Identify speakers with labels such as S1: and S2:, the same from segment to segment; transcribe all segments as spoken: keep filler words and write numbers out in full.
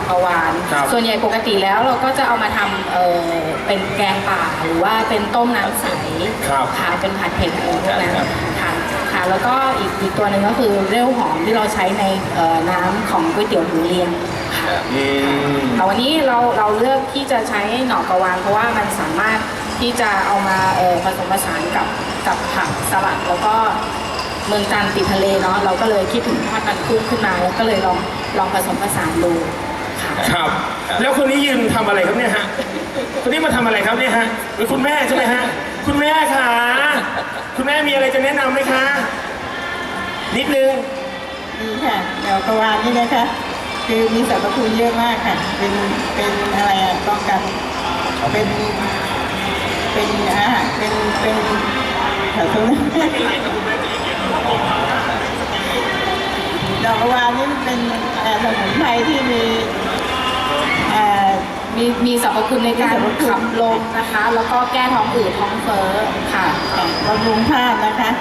S1: กระวานส่วนใหญ่ปกติแล้วเราก็จะเอามาทำเออเป็นแกงป่าหรือว่าเป็นต้มน้ำใสค่ะเป็นผัดเผ็ดอะไรพวกนั้นค่ะค่ะแล้วก็อีกอีกตัวหนึ่งก็คือเรี่ยวหอมที่เราใช้ในน้ำของก๋วยเตี๋ยวหมูเรียงค่ะแต่วันนี้เราเราเลือกที่จะใช้หน่อกระวานเพราะว่ามันสามารถที่จะเอามาผสมผสานกับกับผักสลัดแล้วก็เมืองจันทร์ติดทะเลเนาะเราก็เลยคิดถึงทอดมันกุ้งขึ้นมาแล้วก็เลยลองลองผสมผสานดูค่ะ
S2: ครับแล้วคนนี้ยืนทำอะไรครับเนี่ยฮะคนนี้มาทำอะไรครับเนี่ยฮะหรือคุณแม่ใช่ไหมฮะคุณแม่ค่ะคุณแม่มีอะไรจะแนะนำไหมคะนิดนึง
S3: นี่ค่ะเดี๋ยวกระวานนี่นะคะคือมีสรรพคุณเยอะมากค่ะเป็นเป็นอะไรอ่ะต้องกันเป็นเป็นอาหารเป็นเป็นขอโทษดอกกระวานนี่เป็นสมุนไพรที่มี
S1: มีมีสรรพคุณในการขับลมนะคะแล้วก็แก้ท้องอืดท้องเฟ้อค่ะ
S3: บำรุงธาตุนะคะ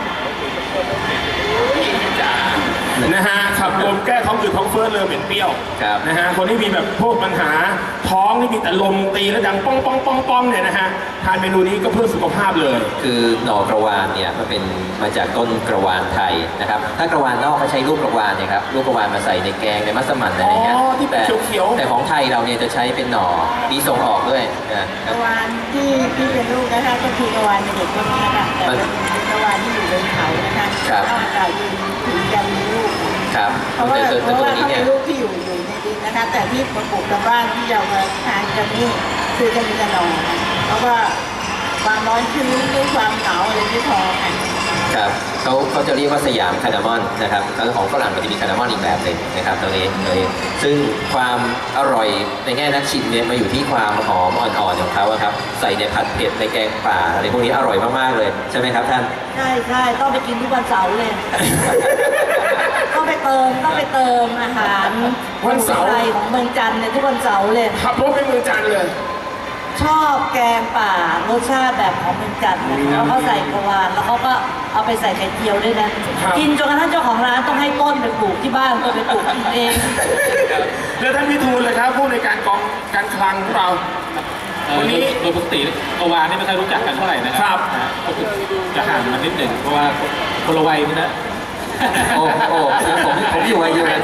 S2: นะฮะขับลมแก้ท้องอืดท้องเฟ้อเลยเป็นเปรี้ยวนะฮะคนที่มีแบบพวกปัญหาท้องที่มีแต่ลมตีแล้วดังป้องป้องป้องป้องเนี่ยนะฮะทานเมนูนี้ก็เพื่อสุขภาพเลย
S4: คือหน่อกระวานเนี่ยมันเป็นมาจากต้นกระวานไทยนะครับถ้ากระวานนอกเขาใช้ลูกกระวานเนี่ยครับลูกกระวานมาใส่ในแกงในมัสมั่นอะไรเงี้ย
S2: แต่
S4: แต่ของไทยเราเนี่ยจะใช้เป็นหน่อมีส่งออกด้วย
S3: นะกระวานที่ที่เป็นลูกนะคะก็คือกระวานในเด็กก็มีนะคะแต่เป็นกระวานที่อยู่บนเขานะคะก็อากาศเย็นถึงจะมีลูก
S4: ครับ
S3: เพราะว่าเพราะว่าเขาเป็นลูกที่อยู่อยู่ในดินนะคะแต่ที่ปลูกกับบ้านที่เรามาทานกันนี่คือจะมีกระหน่อเพราะว่าความร้อนชื้นหรือความหนาวอะไรไม่พอค่ะ
S4: ครับเขาเขาจะเรียกว่าสยามคาร์ดามอนนะครับแล้วของฝรั่งมันจะมีคาร์ดามอนอีกแบบหนึ่งนะครับตัวนี้เลยซึ่งความอร่อยในแง่นักชิมเนี่ยมาอยู่ที่ความหอมอ่อนๆของเขาครับใส่ในผัดเผ็ดในแกงป่าอะไรพวกนี้อร่อยมากๆเลยใช่ไหมครับท่าน
S3: ใช่ใช่ต้องไปกินทุกวันเสาร์เลยต้องไปเติมต้องไปเติมอาหาร
S2: วันเสาร์
S3: ของเมืองจันทร์เนี่ยทุกวันเสาร์เลย
S2: ขับรถไปเมืองจันทร์เลย
S3: ชอบแกงป่ารสชาติแบบของเมืองจันทร์แล้วเขาใส่กระวานแล้วเขาก็เอาไปใส่ไข่เจียวด้วยนะกินจนกระทั่งเจ้าของร้านต้องให้ต้นไปปลูกที่บ้านก็ไปปลูกกินเอง
S2: แล้วท่านพิทูลเลยครับผู้ในการกองการคลังของเรา
S5: วันนี้โดยปกติกระวานนี่ไม่ค่อยรู้จักกันเท่าไหร่นะครับก็คือจะห่างมันนิดหนึ่งเพราะว่าคนละวัยนะ
S4: โอ้โอ้ผมผมอยู่วัยเดียวกัน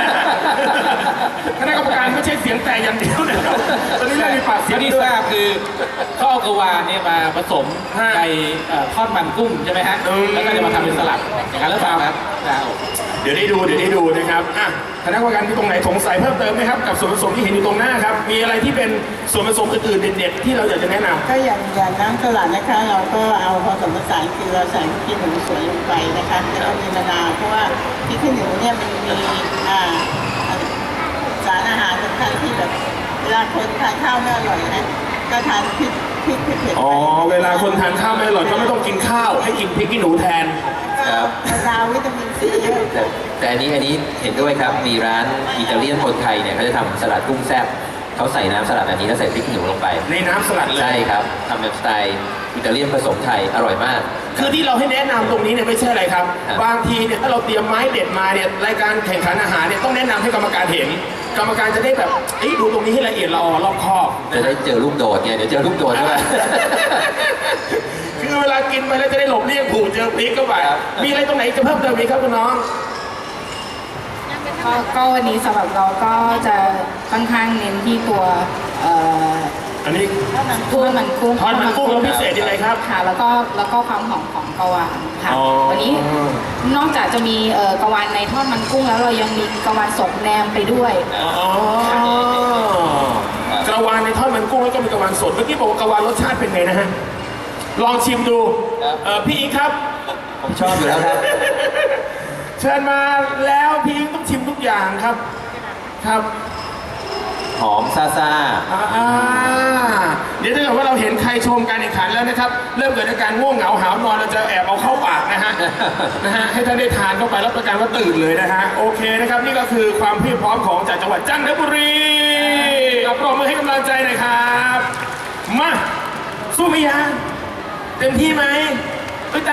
S2: คณะกรรมการไม่ใช่เสียงแต่อย่างเดียวนะครับตอนนี้เรามีปากเสียง
S5: ที่ทราบคือข้าวกระวานเนี่ยมาผสมในทอดมันกุ้งใช่ไหมฮะแล้วก็จะมาทำเป็นสลัดอย่างนั้นหรือเปล่าครับ
S2: เดี๋ยวได้ดูเดี๋ยวได้ดูนะครับอ่ะคณะกรรมการที่ตรงไหนสงสัยเพิ่มเติมไหมครับกับส่วนผสมที่เห็นอยู่ตรงหน้าครับมีอะไรที่เป็นส่วนผสมอื่นๆเด็ดๆที่เราอยากจะแนะนำ
S3: ก็อย่างอย่างน้ำสลัดนะคะเราก็เอาผสมผสานคือเราใส่พริกขี้หนูสวยลงไปนะคะแล้วก็มีมะนาวเพราะว่าพริกขี้หนูเนี่ยมันมีอ่าสารอาหารสำคัญที่แบบเวลาคนทานข้าวไม่อร่อยนะก็ทานพริกพริกเผ็ด
S2: อ๋อเวลาคนทานข้าวไม่อร่อยก็ไม่ต้องกินข้าวให้กินพริกขี้หนูแทน
S3: ครับมะนาววิตามินซีเยอะ
S4: แต่อันนี้อันนี้เห็นด้วยครับมีร้านอิตาเลียนคนไทยเนี่ยเขาจะทำสลัดกุ้งแซ่บเขาใส่น้ำสลัดแบบนี้แล้วใส่พริกขี้หนูลงไป
S2: ในน้ำสลัดเลย
S4: ใช่ครับทำแบบสไตล์อิตาเลียนผสมไทยอร่อยมาก
S2: คือที่เราให้แนะนำตรงนี้เนี่ยไม่ใช่อะไรครับบางทีเนี่ยถ้าเราเตรียมไม้เด็ดมาเนี่ยรายการแข่งขันอาหารเนี่ยต้องแนะนำให้กรรมการเห็นกรรมการจะได้แบบดูตรงนี้ให้ละเอียดละออรอบคอบ
S4: จะได้เจอลูกโดดเนี่ยเดี๋ยวเจอลูกโดดด้วย
S2: คือเวลากินไปแล้วจะได้หลบเลี่ยงผูกเจอพริกเข้าไปมีอะไรตรงไหนจะเพิ่มเติมไหมครับคุณน้อง
S1: ก็วันนี้สำหรับเราก็จะค่อนข้างเน้นที่ตัว
S2: อันนี้
S1: ทอดมันกุ้ง
S2: ทอดมันกุ้งแล้วพิเศษยังไงครับ
S1: ค่ะแล้วก็แล้วก็ความหอมของกระวานค่ะวันนี้นอกจากจะมีกระวานในทอดมันกุ้งแล้วเรายังมีกระวานสดแนมไปด้วย
S2: กระวานในทอดมันกุ้งแล้วก็มีกระวานสดเมื่อกี้บอกว่ากระวานรสชาติเป็นไงนะฮะลองชิมดูพี่อีกครับ
S4: ผมชอบอยู่แล้วครับ
S2: เชิญมาแล้วพี่ต้องชิมทุกอย่างครับครับ
S4: หอมซาซา
S2: เดี๋ยวถ้าเกิดว่าเราเห็นใครชมการแข่งขันแล้วนะครับเริ่มเกิดอาการง่วงเหงาหาวนอนเราจะแอบเอาเข้าปากนะฮะนะฮะให้ท่านได้ทานเข้าไปรับประกันว่าตื่นเลยนะฮะโอเคนะครับนี่ก็คือความเพียรพร้อมของจากจังหวัดจันทบุรีปรบมือให้กำลังใจหน่อยครับมาสู้ไหมยังเต็มที่ไหม